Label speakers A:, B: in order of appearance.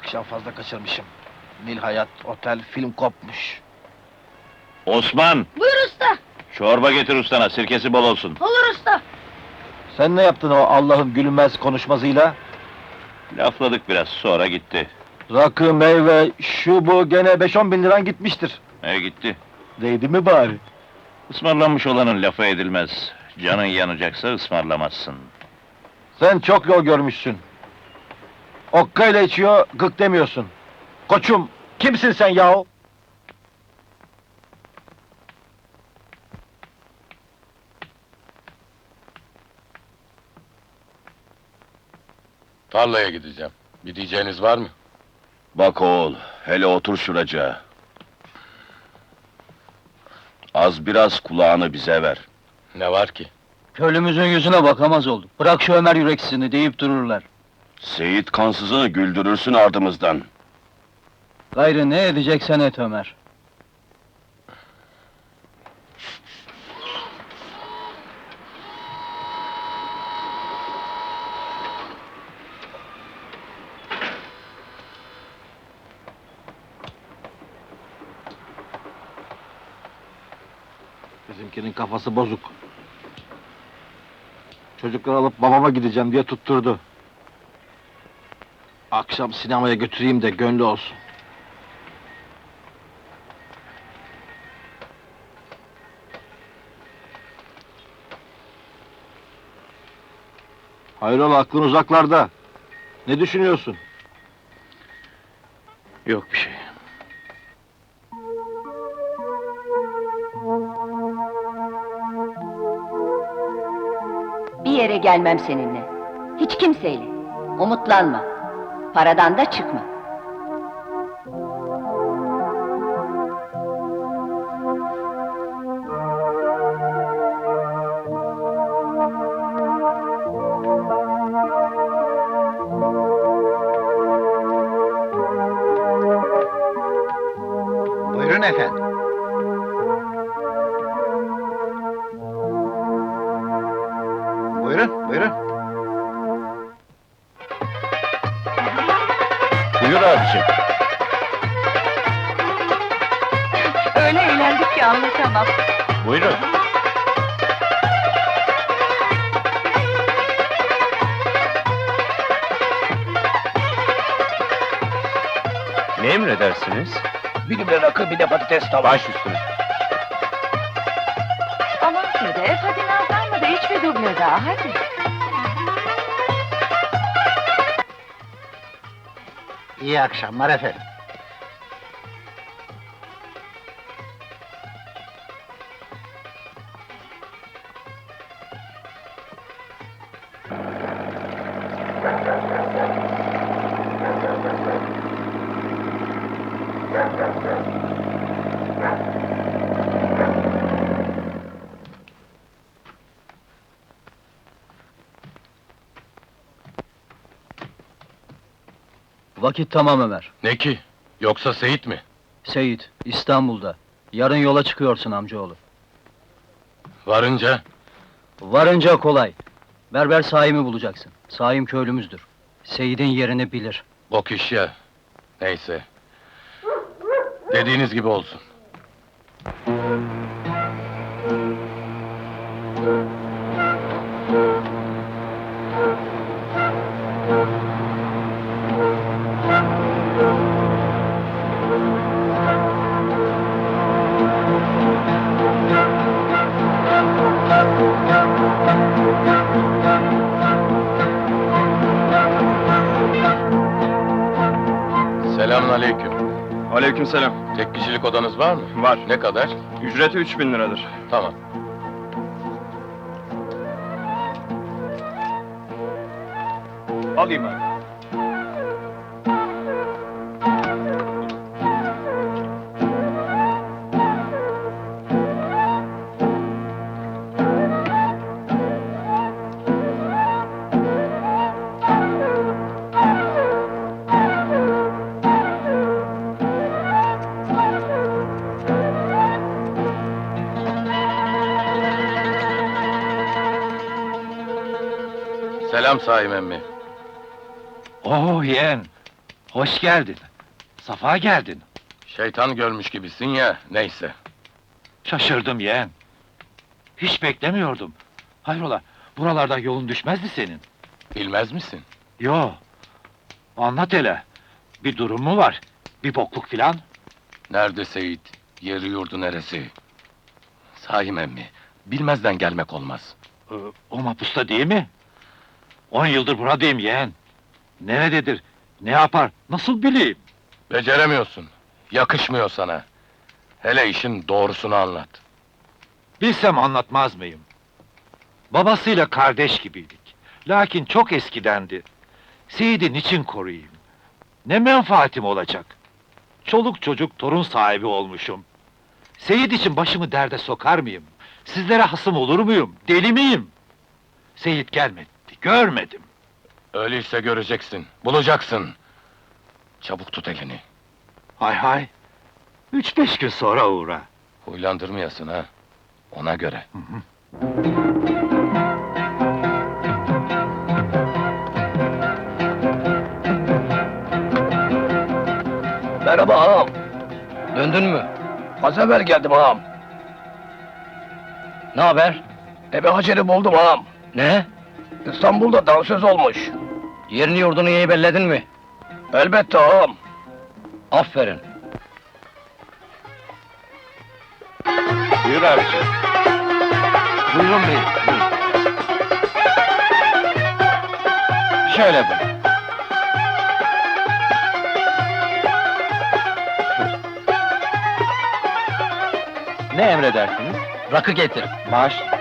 A: Akşam fazla kaçırmışım. Nil Hayat, otel, film kopmuş.
B: Osman!
C: Buyur usta!
B: Çorba getir ustana, sirkesi bol olsun.
C: Olur usta!
A: Sen ne yaptın o Allah'ın gülmez konuşmasıyla?
B: Lafladık biraz, sonra gitti.
A: Rakı, meyve, şu bu gene 5-10 bin liran gitmiştir.
B: Gitti.
A: Değdi mi bari?
B: Ismarlanmış olanın lafı edilmez. Canın yanacaksa ısmarlamazsın.
A: Sen çok yol görmüşsün. Okkayla içiyor, gık demiyorsun. Koçum, kimsin sen yahu?
D: Tarlaya gideceğim. Bir diyeceğiniz var mı?
E: Bak oğul, hele otur şuraca. Az biraz kulağını bize ver.
D: Ne var ki?
F: Köylümüzün yüzüne bakamaz olduk. Bırak şu Ömer yüreksizini deyip dururlar.
E: Seyit kansızı güldürürsün ardımızdan.
F: Gayrı ne edeceksen et Ömer.
A: Bizimkinin kafası bozuk. Çocukları alıp babama gideceğim diye tutturdu. Akşam sinemaya götüreyim de gönlü olsun. Hayrola, aklın uzaklarda. Ne düşünüyorsun?
B: Yok bir şey.
C: Bir yere gelmem seninle. Hiç kimseyle. Umutlanma. Paradan da çıkma.
A: Buyurun efendim. Buyurun, buyurun.
B: Buyur abiciğim.
C: Öyle eğlendik ki anlatamam.
B: Buyurun. Ne emredersiniz?
A: Bir gübre rakı, bir de patates tava.
B: Baş üstüne.
C: Aman Sedef, hadi nazlanma da iç bir duble daha, hadi.
A: İyi akşamlar efendim.
F: Vakit tamam Ömer.
D: Ne ki? Yoksa Seyit mi?
F: Seyit, İstanbul'da. Yarın yola çıkıyorsun amcaoğlu.
D: Varınca
F: Varınca kolay. Berber Saim'i bulacaksın. Saim köylümüzdür. Seyit'in yerini bilir.
D: bok iş ya. Neyse. Dediğiniz gibi olsun. Selamünaleyküm.
G: Aleykümselam.
D: Tek kişilik odanız var mı?
G: Var.
D: Ne kadar?
G: Ücreti 3000 liradır.
D: Tamam.
G: Alayım abi.
D: Selam Saim emmi.
B: Oh yeğen!
A: Hoş geldin. Safa geldin.
D: Şeytan görmüş gibisin ya, neyse.
A: Şaşırdım yeğen. Hiç beklemiyordum. Hayrola, buralardan yolun düşmezdi senin.
D: Bilmez misin?
A: Yo. Anlat hele. Bir durum mu var? Bir bokluk filan?
D: Nerede Seyit? Yeri yurdu neresi? Sahi emmi, bilmezden gelmek olmaz.
A: O mapusta değil mi? 10 yıldır buradayım yeğen. Nerededir? Ne yapar? Nasıl bileyim?
D: Beceremiyorsun, yakışmıyor sana. Hele işin doğrusunu anlat.
A: Bilsem anlatmaz mıyım? Babasıyla kardeş gibiydik. Lakin çok eskidendi. Seyit'i niçin koruyayım? Ne menfaatim olacak? Çoluk çocuk torun sahibi olmuşum. Seyit için başımı derde sokar mıyım? Sizlere hasım olur muyum? Deli miyim? Seyit gelmedi, görmedim.
D: Öyleyse göreceksin, bulacaksın. Çabuk tut elini.
A: Hay hay! 3-5 gün sonra uğra.
D: Huylandırmayasın ha, ona göre.
H: Merhaba ağam. Döndün mü? Az evvel geldim ağam.
F: Ne haber?
H: Ebe Hacer'i buldum ağam.
F: Ne?
H: İstanbul'da dansöz olmuş.
F: Yerini yurdunu iyi belledin mi?
H: Elbette ağam.
F: Aferin.
B: Buyur abiciğim.
A: Buyurun beyim, buyurun. Şöyle buyurun. Ne emredersiniz?
F: Rakı getir.
A: Baş.